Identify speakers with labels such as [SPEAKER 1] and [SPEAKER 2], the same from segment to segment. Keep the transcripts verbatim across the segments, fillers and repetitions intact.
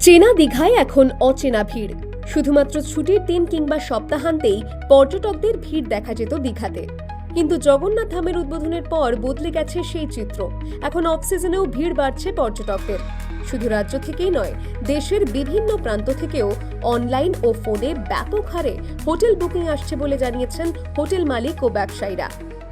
[SPEAKER 1] চেনা দীঘায় এখন অচেনা ভিড়। শুধুমাত্র ছুটির দিন কিংবা সপ্তাহান্তেই পর্যটকদের ভিড় দেখা যেত দীঘাতে, কিন্তু জগন্নাথ ধামের উদ্বোধনের পর বদলে গেছে সেই চিত্র। এখন অফ সিজনেও ভিড় বাড়ছে পর্যটকদের। শুধু রাজ্য থেকেই নয়, দেশের বিভিন্ন প্রান্ত থেকেও অনলাইন ও ফোনে ব্যাপক হারে হোটেল বুকিং আসছে বলে জানিয়েছেন হোটেল মালিক ও ব্যবসায়ীরা।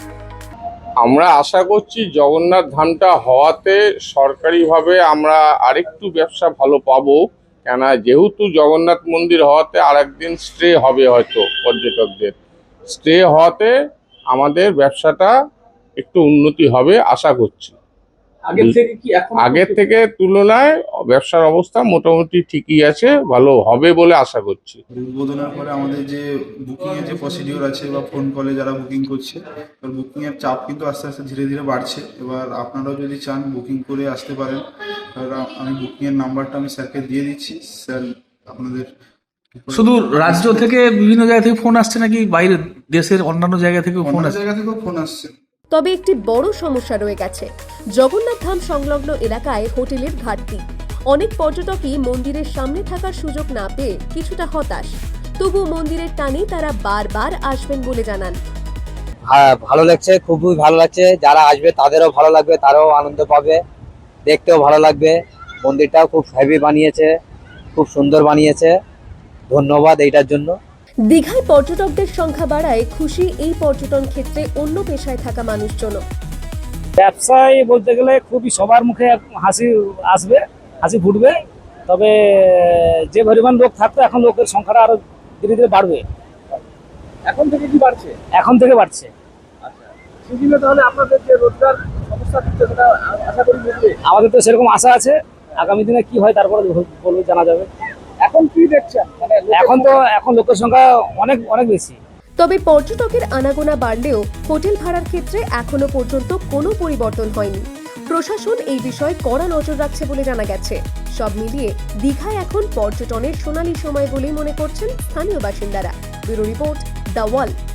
[SPEAKER 2] আমরা আশা করছি জগন্নাথ ধামটা হওয়াতে সরকারিভাবে আমরা আরেকটু ব্যবসা ভালো পাবো, কেন যেহেতু জগন্নাথ মন্দির হওয়াতে আর একদিন স্টে হবে, হয়তো পর্যটকদের স্টে হওয়াতে আমাদের ব্যবসাটা একটু উন্নতি হবে আশা করছি।
[SPEAKER 3] আগের থেকে কি এখন
[SPEAKER 2] আগের থেকে তুলনায় ব্যবসার অবস্থা মোটামুটি ঠিকই আছে, ভালো হবে বলে আশা করছি।
[SPEAKER 4] উদ্বোধনের পরে আমাদের যে বুকিং এর যে প্রসিডিওর আছে বা ফোন কলে যারা বুকিং করছে, এবার বুকিং এর চাপ কিন্তু আস্তে আস্তে ধীরে ধীরে বাড়ছে। এবার আপনারাও যদি চান বুকিং করে আসতে পারেন। এবার আমি বুকিং এর নাম্বারটা আমি স্যারকে দিয়ে দিচ্ছি, স্যার আপনাদের।
[SPEAKER 3] শুধু রাজ্য থেকে বিভিন্ন জায়গা থেকে ফোন আসছে নাকি বাইরে দেশের অন্যান্য জায়গা থেকেও ফোন
[SPEAKER 4] অন্য
[SPEAKER 3] আসছে?
[SPEAKER 4] জায়গা থেকেও ফোন আসছে।
[SPEAKER 1] তবে একটি বড় সমস্যা রয়ে গেছে, জগন্নাথ ধাম সংলগ্ন এলাকায় হোটেলের ঘাটতি। অনেক পর্যটকই মন্দিরের সামনে থাকার সুযোগ না পেয়ে কিছুটা হতাশ। তবু মন্দিরের টানে তারা বারবার আসবেন বলে জানান।
[SPEAKER 5] হ্যাঁ, ভালো লাগছে, খুবই ভালো লাগছে। যারা আসবে তাদেরও ভালো লাগবে, তারাও আনন্দ পাবে, দেখতেও ভালো লাগবে। মন্দিরটাও খুব হেভি বানিয়েছে, খুব সুন্দর বানিয়েছে। ধন্যবাদ এইটার জন্য।
[SPEAKER 1] দীঘায় পর্যটকদের সংখ্যা বাড়ায় খুশি এই পর্যটন ক্ষেত্রে অন্য পেশায় থাকা মানুষজন।
[SPEAKER 6] ব্যবসায় বলতে গেলে খুবই সবার মুখে হাসি আসবে, হাসি ফুটবে। তবে যে পরিমাণ লোক থাকতো, এখন লোকের সংখ্যাটা আরো ধীরে ধীরে বাড়বে।
[SPEAKER 3] এখন থেকে কি বাড়ছে?
[SPEAKER 6] এখন থেকে বাড়ছে।
[SPEAKER 3] সেদিনে তাহলে আপনাদের যে রোজগার সমস্যা দিচ্ছে সেটা আশা করি মিটবে।
[SPEAKER 6] আমাদের তো সেরকম আশা আছে, আগামী দিনে কি হয় তারপরে বলবে, জানা যাবে।
[SPEAKER 3] এখন কি দেখছেন? মানে
[SPEAKER 6] এখন তো এখন লোকের সংখ্যা অনেক অনেক বেশি।
[SPEAKER 1] তবে পর্যটকের আনাগোনা বাড়লেও হোটেল ভাড়ার ক্ষেত্রে এখনো পর্যন্ত কোনো পরিবর্তন হয়নি। প্রশাসন এই বিষয়ে কড়া নজর রাখছে বলে জানা গেছে। সব মিলিয়ে দীঘায় এখন পর্যটনের সোনালী সময় বলেই মনে করছেন স্থানীয় বাসিন্দারা। Bureau report, the wall.